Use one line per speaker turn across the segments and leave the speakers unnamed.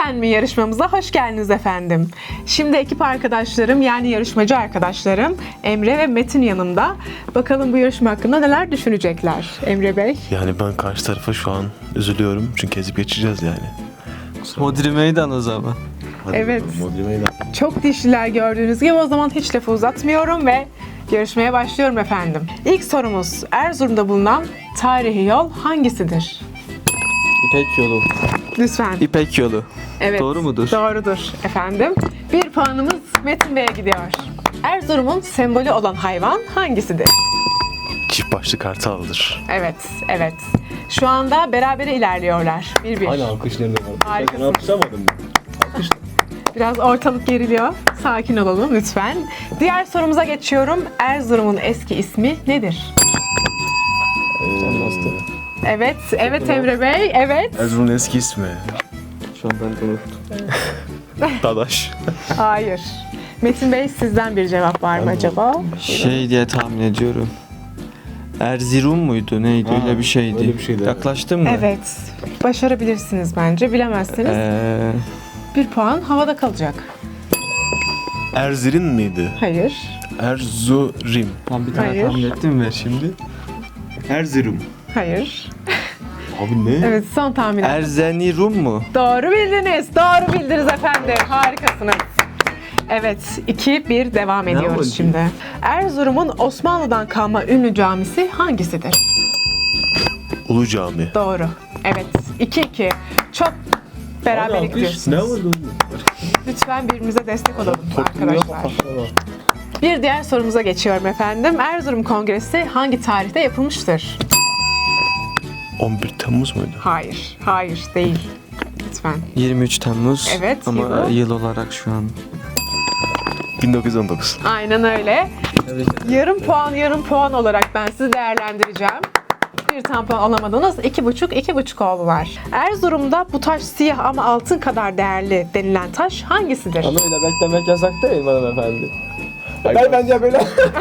Bilsen mi yarışmamıza hoş geldiniz efendim. Şimdi ekip arkadaşlarım yani yarışmacı arkadaşlarım Emre ve Metin yanımda. Bakalım bu yarışma hakkında neler düşünecekler Emre Bey?
Yani ben karşı tarafa şu an üzülüyorum çünkü ezip geçeceğiz yani.
Hodri meydan o zaman.
Hadi
Evet.
bakalım, Modri meydan.
Çok dişliler gördüğünüz gibi, o zaman hiç lafı uzatmıyorum ve yarışmaya başlıyorum efendim. İlk sorumuz, Erzurum'da bulunan tarihi yol hangisidir?
İpek yolu.
Lütfen.
İpek yolu.
Evet.
Doğru mudur?
Doğrudur efendim. Bir puanımız Metin Bey'e gidiyor. Erzurum'un sembolü olan hayvan hangisidir?
Çift başlı kartaldır.
Evet, evet. Şu anda berabere ilerliyorlar. 1-1.
Hala alkışlarını var.
Harikasın.
Ben alkışlamadım mı?
Biraz ortalık geriliyor. Sakin olalım lütfen. Diğer sorumuza geçiyorum. Erzurum'un eski ismi nedir? Evet, evet Emre Bey, evet.
Erzurum'un eski ismi.
Şu an ben de unuttum.
Dadaş.
Hayır. Metin Bey, sizden bir cevap var mı acaba?
Şey diye tahmin ediyorum. Erzurum muydu? Neydi? Öyle bir şeydi.
öyle bir şeydi, evet.
Yaklaştın mı?
Evet. Başarabilirsiniz bence. Bilemezseniz bir puan havada kalacak.
Erzirin miydi?
Hayır.
Erzurim.
Tam bir tane
Hayır.
tahmin ettim ver şimdi.
Erzurum.
Hayır.
Abi ne?
Evet, son tahmin.
Erzenirum mu?
Doğru bildiniz. Doğru bildiniz efendim. Harikasınız. Evet, 2-1 devam ediyoruz
oldu?
şimdi. Erzurum'un Osmanlı'dan kalma ünlü camisi hangisidir?
Ulu Cami.
Doğru. Evet, 2-2. Çok beraber gidiyorsunuz.
Ne oldu?
Lütfen birbirimize destek olalım
Toplum yok.
arkadaşlar. Bir diğer sorumuza geçiyorum efendim. Erzurum Kongresi hangi tarihte yapılmıştır?
11 Temmuz muydu?
Hayır, hayır değil. Lütfen.
23 Temmuz.
Evet,
Ama
yılı.
yıl olarak şu an.
1919.
Aynen öyle. Yarım puan olarak ben sizi değerlendireceğim. Bir tam puan alamadınız. 2,5 oldular. Erzurum'da bu taş siyah ama altın kadar değerli denilen taş hangisidir?
Ama öyle beklemek yasak değil mi hanımefendi? Ben bence böyle...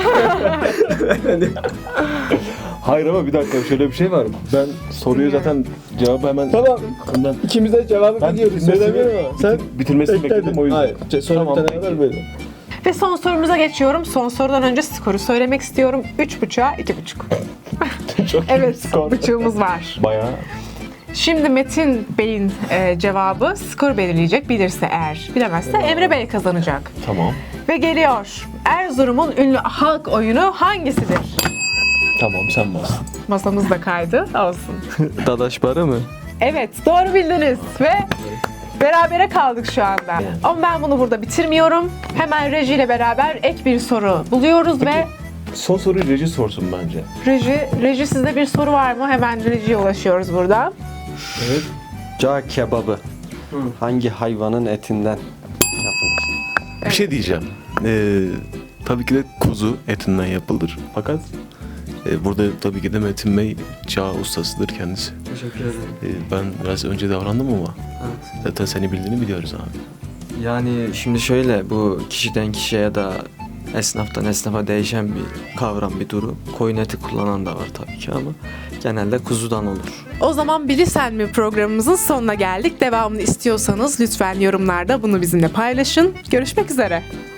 Hayır ama bir dakika şöyle bir şey var. Ben soruyu zaten cevabı hemen...
Tamam.
Bundan...
İkimiz de cevabı
Ben
biliyoruz.
bitirmesini-
Söylemiyorum ama sen
Bitirmesini bekledim o yüzden.
Hayır. Sonra
Tamam,
bir tane
peki.
ver böyle.
Ve son sorumuza geçiyorum. Son sorudan önce skoru söylemek istiyorum. 3,5'a 2,5.
Çok iyi
Evet,
skor.
buçuğumuz var.
Bayağı.
Şimdi Metin Bey'in cevabı skor belirleyecek. Bilirse eğer, bilemezse Emre Bey kazanacak.
Tamam.
Ve geliyor. Erzurum'un ünlü halk oyunu hangisidir?
Tamam sen bas.
Masamız da kaydı. Olsun.
Dadaş barı mı?
Evet, doğru bildiniz ve berabere kaldık şu anda. Ama ben bunu burada bitirmiyorum. Hemen Reji ile beraber ek bir soru buluyoruz ve
Son soruyu Reji sorsun bence.
Reji sizde bir soru var mı? Hemen Reji'ye ulaşıyoruz burada.
Evet.
Cağ kebabı hangi hayvanın etinden yapılır?
Bir şey diyeceğim. Tabii ki de kuzu etinden yapılır. Fakat burada tabii ki de Metin Bey çağ ustasıdır kendisi.
Teşekkür ederim.
Ben biraz önce davrandım ama
Evet.
zaten seni bildiğini biliyoruz abi.
Yani şimdi şöyle, bu kişiden kişiye ya da esnaftan esnafa değişen bir kavram, bir durum. Koyun eti kullanan da var tabii ki ama genelde kuzudan olur.
O zaman Bilirsen mi programımızın sonuna geldik. Devamını istiyorsanız lütfen yorumlarda bunu bizimle paylaşın. Görüşmek üzere.